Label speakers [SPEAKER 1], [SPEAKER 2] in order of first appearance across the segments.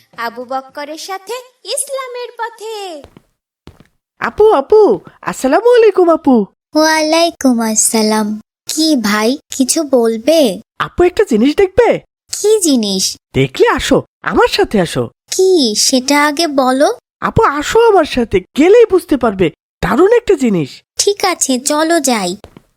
[SPEAKER 1] আবু বক্করের সাথে ইসলামের পথে।
[SPEAKER 2] আপু আপু, আসসালামু আলাইকুম আপু।
[SPEAKER 1] ওয়ালাইকুম আসসালাম। কি ভাই, কিছু বলবে?
[SPEAKER 2] আপু একটা জিনিস দেখবে?
[SPEAKER 1] কি জিনিস?
[SPEAKER 2] দেখলে আসো, আমার সাথে আসো।
[SPEAKER 1] কি সেটা আগে বলো।
[SPEAKER 2] আপু আসো আমার সাথে, গেলেই বুঝতে পারবে। দারুণ একটা জিনিস।
[SPEAKER 1] ঠিক আছে, চলো যাই।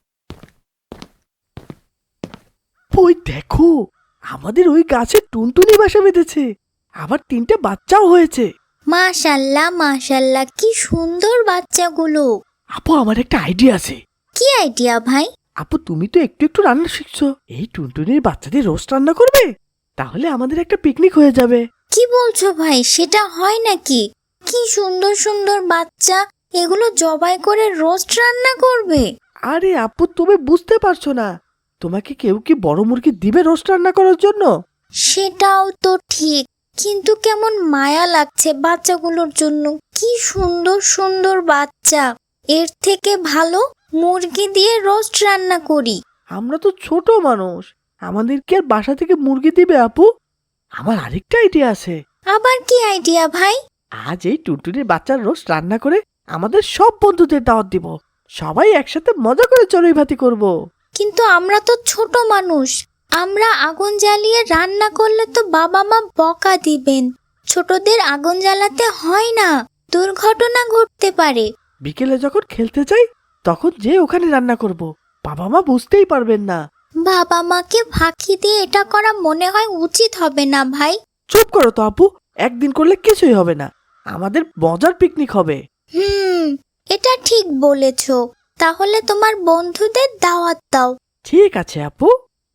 [SPEAKER 2] ওই দেখো, আমাদের ওই গাছে টুনটুনি বাসা বেঁধেছে, আবার 3টে বাচ্চাও হয়েছে।
[SPEAKER 1] মাশাল্লাহ মাশাল্লাহ, কি সুন্দর বাচ্চাগুলো।
[SPEAKER 2] আপু আমার একটা আইডিয়া আছে।
[SPEAKER 1] কি আইডিয়া ভাই?
[SPEAKER 2] আপু তুমি তো একটু একটু রান্না শিখছো, এই টুনটুনির বাচ্চাদের রোস্ট রান্না করবে, তাহলে আমাদের একটা পিকনিক হয়ে যাবে।
[SPEAKER 1] কি বলছো ভাই, সেটা হয় নাকি? কি সুন্দর সুন্দর বাচ্চা, এগুলো জবাই করে রোস্ট রান্না করবে?
[SPEAKER 2] আরে আপু তুমি বুঝতে পারছো না, তোমাকে কেউ কি বড় মুরগি দিবে রোস্ট রান্না করার জন্য?
[SPEAKER 1] সেটাও তো ঠিক, কিন্তু কেমন মায়া লাগছে বাচ্চাগুলোর জন্য। কি সুন্দর সুন্দর বাচ্চা, এর থেকে ভালো মুরগি দিয়ে রোস্ট রান্না করি।
[SPEAKER 2] আমরা তো ছোট মানুষ, আমাদের কি আর বাসা থেকে মুরগি দিবে আপু? আমার আরেকটা আইডিয়া আছে।
[SPEAKER 1] আবার কি আইডিয়া ভাই?
[SPEAKER 2] আজ এই টুনটুনির বাচ্চার রোস্ট রান্না করে আমাদের সব বন্ধুদের দাওয়াত দিব, সবাই একসাথে মজা করে চড়ুই ভাতি করব।
[SPEAKER 1] কিন্তু আমরা তো ছোট মানুষ, আমরা আগুন জ্বালিয়ে রান্না করলে তো বাবা মা বকা দিবেন। ছোটদের আগুন জ্বালাতে হয় না, দুর্ঘটনা ঘটতে পারে।
[SPEAKER 2] বিকেলে যখন খেলতে যাই তখন যে ওখানে রান্না করব, বাবা মা বুঝতেই পারবেন না।
[SPEAKER 1] বাবা মাকে ফাঁকি দিয়ে এটা করা মনে হয় উচিত হবে না ভাই।
[SPEAKER 2] চুপ করো তো আপু, একদিন করলে কিছুই হবে না, আমাদের মজার পিকনিক হবে।
[SPEAKER 1] এটা ঠিক বলেছো। তাহলে তোমার বন্ধুদের দাওয়াত দাও।
[SPEAKER 2] ঠিক আছে আপু।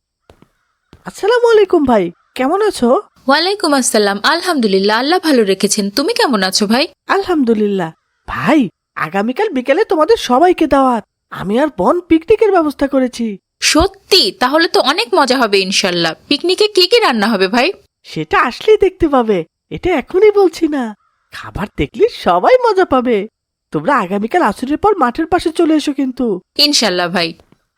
[SPEAKER 2] আসসালামু আলাইকুম ভাই, কেমন আছো?
[SPEAKER 3] ওয়ালাইকুম আসসালাম। আলহামদুলিল্লাহ, আল্লাহ ভালো রেখেছেন। তুমি কেমন আছো ভাই?
[SPEAKER 2] আলহামদুলিল্লাহ। ভাই আগামীকাল বিকেলে তোমাদের সবাইকে দাওয়াত, আমি আর বোন পিকনিকের ব্যবস্থা করেছি।
[SPEAKER 3] সত্যি? তাহলে তো অনেক মজা হবে ইনশাল্লাহ। পিকনিকে কি কি রান্না হবে ভাই?
[SPEAKER 2] সেটা আসলেই দেখতে পাবে, এটা এখনই বলছি না, খাবার দেখলে সবাই মজা পাবে। তোমরা আগামীকাল আসরের পর মাঠের পাশে চলে এসো কিন্তু।
[SPEAKER 3] ইনশাল্লাহ ভাই।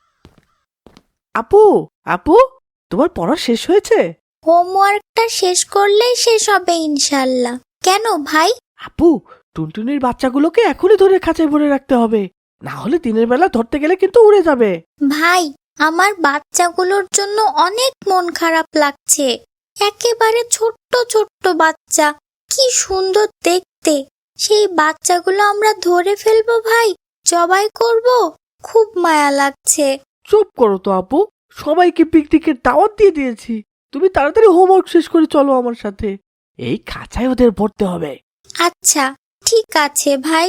[SPEAKER 2] আপু আপু, তোমার পড়া শেষ হয়েছে?
[SPEAKER 1] হোমওয়ার্কটা শেষ করলেই শেষ হবে ইনশাল্লাহ। কেন ভাই?
[SPEAKER 2] আপু টুনটুনির বাচ্চাগুলোকে এখনই ধরে খাঁচায় ভরে রাখতে হবে, না হলে দিনের বেলা ধরতে গেলে কিন্তু উড়ে যাবে।
[SPEAKER 1] ভাই, আমার বাচ্চাগুলোর জন্য অনেক মন খারাপ লাগছে। একেবারে ছোট্ট ছোট্ট বাচ্চা, কি সুন্দর দেখতে। সেই বাচ্চাগুলো আমরা ধরে ফেলবো ভাই, জবাই করব। খুব মায়া লাগছে।
[SPEAKER 2] চুপ করো তো আপু, সবাইকে পিকনিকের দাওয়াত দিয়ে দিয়েছি, তুমি তাড়াতাড়ি হোমওয়ার্ক শেষ করে চলো আমার সাথে, এই খাঁচায় ওদের ভরতে হবে।
[SPEAKER 1] আচ্ছা ঠিক আছে ভাই।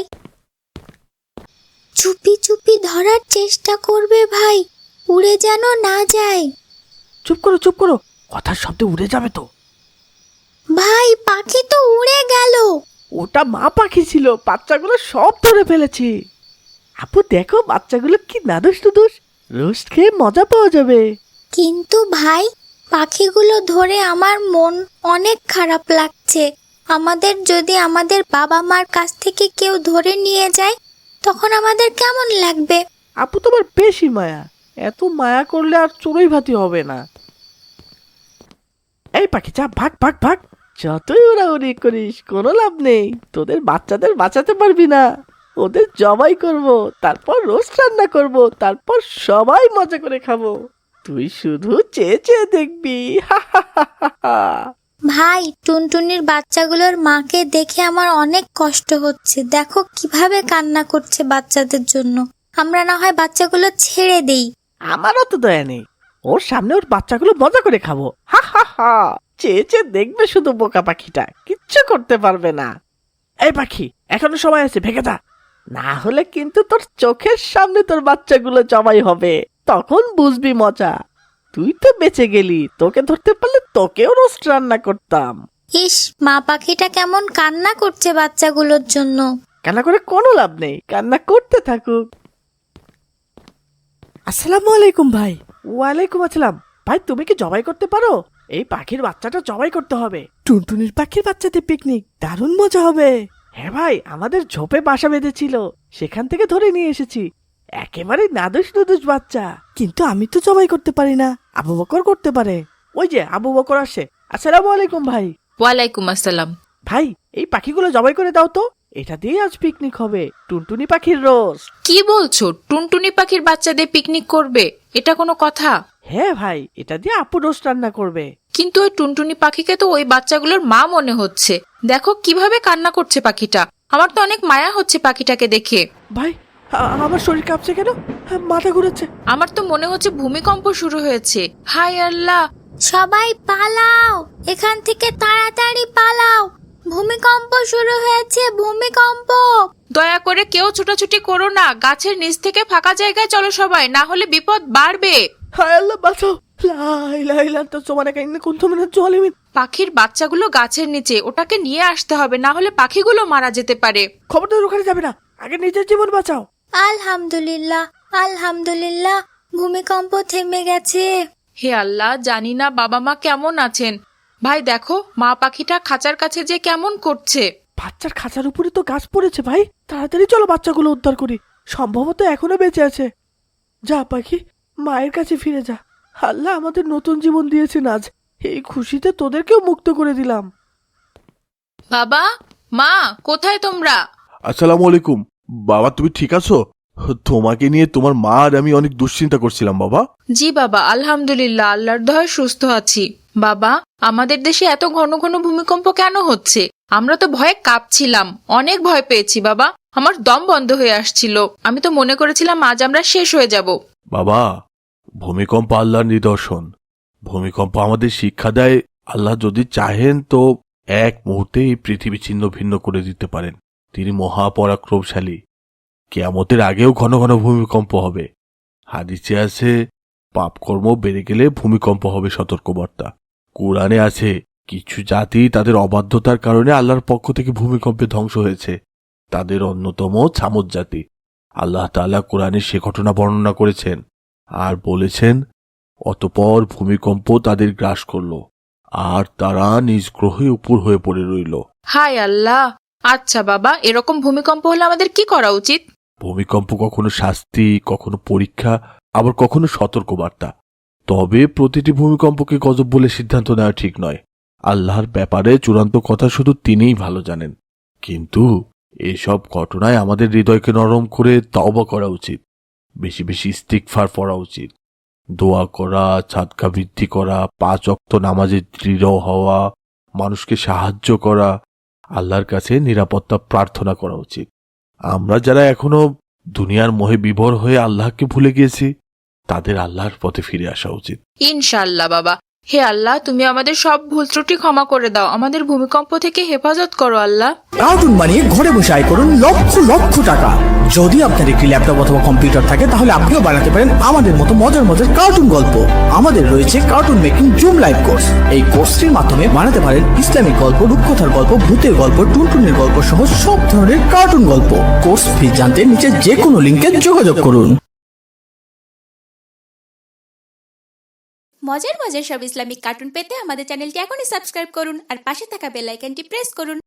[SPEAKER 1] চুপি চুপি ধরার চেষ্টা করবে ভাই, উড়ে যেন না যায়।
[SPEAKER 2] চুপ করো চুপ করো, কথার শব্দে উড়ে যাবে তো।
[SPEAKER 1] ভাই, পাখি তো উড়ে গেল।
[SPEAKER 2] ওটা মা পাখি ছিল, বাচ্চাগুলো সব ধরে ফেলেছি। আপু দেখো বাচ্চাগুলো কি নাদুস নুদুস, রোস্ট খেয়ে মজা পাওয়া যাবে।
[SPEAKER 1] কিন্তু ভাই, পাখিগুলো ধরে আমার মন অনেক খারাপ লাগছে। আমাদের যদি আমাদের বাবা মার কাছ থেকে কেউ ধরে নিয়ে যায়, তখন আমাদের কেমন লাগবে?
[SPEAKER 2] আপু তোমার বেশি মায়া, এত মায়া করলে আর চড়ুই ভাতি হবে না। এই পাখি যা, ভাগ ভাগ ভাগ, যতই উড়াউড়ি করিস কোনো লাভ নেই, তোদের বাচ্চাদের বাঁচাতে পারবি না। ওদের জবাই করব, তারপর রোস্ট রান্না করব, তারপর সবাই মজা করে খাবো, তুই শুধু চেয়ে চেয়ে দেখবি। হা হা হা হা হা।
[SPEAKER 1] ভাই, টুনটুনির বাচ্চাগুলোর মাকে দেখে আমার অনেক কষ্ট হচ্ছে। দেখো কিভাবে কান্না করছে বাচ্চাদের জন্য। আমরা না হয় বাচ্চাগুলো ছেড়ে দেই।
[SPEAKER 2] আমারও তো দয়া নেই, ওর সামনে ওর বাচ্চাগুলো মজা করে খাবো। হা হা হা, চেয়ে চেয়ে দেখবে শুধু বোকা পাখিটা, কিচ্ছু করতে পারবে না। এই পাখি এখনো সময় আছে, ভেগে যা, না হলে কিন্তু তোর চোখের সামনে তোর বাচ্চাগুলো জবাই হবে, তখন বুঝবি মজা। তুই তো বেঁচে গেলি, তোকে ধরতে পারলে তোকেও রোস্ট রান্না করতাম।
[SPEAKER 1] ইস, মা পাখিটা কেমন কান্না করছে বাচ্চাগুলোর জন্য।
[SPEAKER 2] কান্না করে কোনো লাভ নেই, কান্না করতে থাকুক। আসসালামু আলাইকুম ভাই। ওয়ালাইকুম আসসালাম। ভাই তুমি কি জবাই করতে পারো? এই পাখির বাচ্চাটা জবাই করতে হবে, টুনটুনির পাখির বাচ্চাতে পিকনিক, দারুণ মজা হবে। হ্যাঁ ভাই, আমাদের ঝোপে বাসা বেঁধেছিল, সেখান থেকে ধরে নিয়ে এসেছি, একেবারে নাদুস নুদুস বাচ্চা। কিন্তু আমি তো জবাই করতে পারি না, আবু বকর করতে পারে। ওই যে আবু বকর আসছে। আসসালামু আলাইকুম ভাই।
[SPEAKER 3] ওয়ালাইকুম আসসালাম।
[SPEAKER 2] ভাই, এই পাখিগুলো জবাই করে দাও তো, এটা দিয়ে আজ পিকনিক হবে, টুনটুনি পাখির রোস্ট।
[SPEAKER 3] কি বলছো? টুনটুনি পাখির বাচ্চা দিয়ে পিকনিক করবে? এটা কোনো কথা?
[SPEAKER 2] হ্যাঁ ভাই, এটা দিয়ে আপু রোস্ট রান্না করবে।
[SPEAKER 3] কিন্তু ওই টুনটুনি পাখিকে তো ওই বাচ্চাগুলোর মা মনে হচ্ছে। দেখো কিভাবে কান্না করছে পাখিটা। আমার তো অনেক মায়া হচ্ছে পাখিটাকে দেখে।
[SPEAKER 2] ভাই, আমার শরীর কাঁপছে কেন? মাথা ঘুরেছে।
[SPEAKER 3] আমার তো মনে হচ্ছে ভূমিকম্প শুরু হয়েছে। হায় আল্লাহ!
[SPEAKER 1] সবাই পালাও, এখান থেকে তাড়াতাড়ি পালাও, ভূমিকম্প শুরু হয়েছে, ভূমিকম্প।
[SPEAKER 3] দয়া করে কেউ ছুটাছুটি করো না, গাছের নিচ থেকে ফাঁকা জায়গায় চলো সবাই, না হলে বিপদ বাড়বে।
[SPEAKER 2] হায় আল্লাহ, বাঁচাও। লা ইলাহা ইল্লা আনতা সুবহানাকা ইন্নী কুনতু মিনাজ জালিমিন।
[SPEAKER 3] পাখির বাচ্চাগুলো গাছের নিচে, ওটাকে নিয়ে আসতে হবে, না হলে পাখিগুলো মারা যেতে পারে।
[SPEAKER 2] খবরদার ওখানে যাবে না, আগে নিজের জীবন বাঁচাও।
[SPEAKER 1] আলহামদুলিল্লাহ, আলহামদুলিল্লাহ, ভূমিকম্প থেমে গেছে।
[SPEAKER 3] হে আল্লাহ, জানি না বাবা মা কেমন আছেন। ভাই দেখো, মা পাখিটা খাঁচার কাছে যে কেমন করছে।
[SPEAKER 2] বাচ্চার খাঁচার উপরে তো গাছ পড়েছে ভাই, তাড়াতাড়ি চলো বাচ্চাগুলো উদ্ধার করি, সম্ভবত এখনো বেঁচে আছে। যা পাখি, মায়ের কাছে ফিরে যা। আল্লাহ আমাদের নতুন জীবন দিয়েছেন আজ, এই খুশিতে তোদেরকেও মুক্ত করে দিলাম।
[SPEAKER 3] বাবা, মা, কোথায় তোমরা?
[SPEAKER 4] আসসালামু আলাইকুম। বাবা, তুমি ঠিক আছো? তোমাকে নিয়ে তোমার মা আর আমি অনেক দুশ্চিন্তা করছিলাম বাবা।
[SPEAKER 3] জি বাবা, আলহামদুলিল্লাহ, আল্লাহর দয়ায় সুস্থ আছি। বাবা, আমাদের দেশে এত ঘন ঘন ভূমিকম্প কেন হচ্ছে? আমরা তো ভয়ে কাঁপছিলাম, অনেক ভয় পেয়েছি বাবা। আমার দম বন্ধ হয়ে আসছিল। আমি তো মনে করেছিলাম আজ আমরা শেষ হয়ে যাব।
[SPEAKER 4] বাবা, ভূমিকম্প আল্লাহর নিদর্শন। ভূমিকম্প আমাদের শিক্ষা দেয়, আল্লাহ যদি চাহেন তো এক মুহূর্তে এই পৃথিবী ছিন্ন ভিন্ন করে দিতে পারেন। তিনি মহাপরাক্রমশালী। কিয়ামতের আগেও ঘন ঘন ভূমিকম্প হবে। হাদিসে আছে, পাপকর্ম বেড়ে গেলে ভূমিকম্প হবে সতর্কবার্তা। কোরআনে আছে, কিছু জাতি তাদের অবাধ্যতার কারণে আল্লাহর পক্ষ থেকে ভূমিকম্পে ধ্বংস হয়েছে। তাদের অন্যতম ছামুদ জাতি। আল্লাহ তাআলা কোরআনে সে ঘটনা বর্ণনা করেছেন আর বলেছেন, অতঃপর ভূমিকম্প তাদের গ্রাস করল আর তারা নিজ গ্রহে উপর হয়ে পড়ে রইল।
[SPEAKER 3] হায় আল্লাহ! আচ্ছা বাবা, এরকম ভূমিকম্প হলে আমাদের কি করা উচিত?
[SPEAKER 4] ভূমিকম্প কখনো শাস্তি, কখনো পরীক্ষা, আবার কখনো সতর্কবার্তা। তবে প্রতিটি ভূমিকম্পকে গজব বলে সিদ্ধান্ত নেওয়া ঠিক নয়। আল্লাহর ব্যাপারে চূড়ান্ত কথা শুধু তিনিই ভালো জানেন। কিন্তু এসব ঘটনায় আমাদের হৃদয়কে নরম করে তওবা করা উচিত। বেশি বেশি ইস্তিগফার পড়া উচিত। দোয়া করা, সাদকা বৃদ্ধি করা, 5 ওয়াক্ত নামাজে দৃঢ় হওয়া, মানুষকে সাহায্য করা, আল্লাহর কাছে নিরাপত্তা প্রার্থনা করা উচিত। আমরা যারা এখনো দুনিয়ার মোহে বিভোর হয়ে আল্লাহকে ভুলে গিয়েছি, তাদের আল্লাহর পথে ফিরে আসা উচিত।
[SPEAKER 3] ইনশাআল্লাহ বাবা। হে আল্লাহ, তুমি আমাদের সব ভুল ত্রুটি ক্ষমা করে দাও, আমাদের ভূমিকম্প থেকে হেফাজত করো আল্লাহ।
[SPEAKER 5] কার্টুন বানিয়ে ঘরে বসে আয় করুন লক্ষ লক্ষ টাকা। যদি আপনার একটি ল্যাপটপ অথবা কম্পিউটার থাকে তাহলে আপনিও বানাতে পারেন আমাদের মতো মজার মজার কার্টুন গল্প। আমাদের রয়েছে cartoon making zoom live course. এই কোর্সটির মাধ্যমে বানাতে পারেন ইসলামিক গল্প, রূপকথার গল্প, ভূতের গল্প, টুনটুনের গল্প সহ সব ধরনের কার্টুন গল্প। কোর্স ফি জানতে নিচে যে কোনো লিঙ্কে যোগাযোগ করুন।
[SPEAKER 6] মজার মজার সব ইসলামিক কার্টুন পেতে আমাদের চ্যানেলটি এখনই সাবস্ক্রাইব করুন আর পাশে থাকা বেল আইকনটি প্রেস করুন।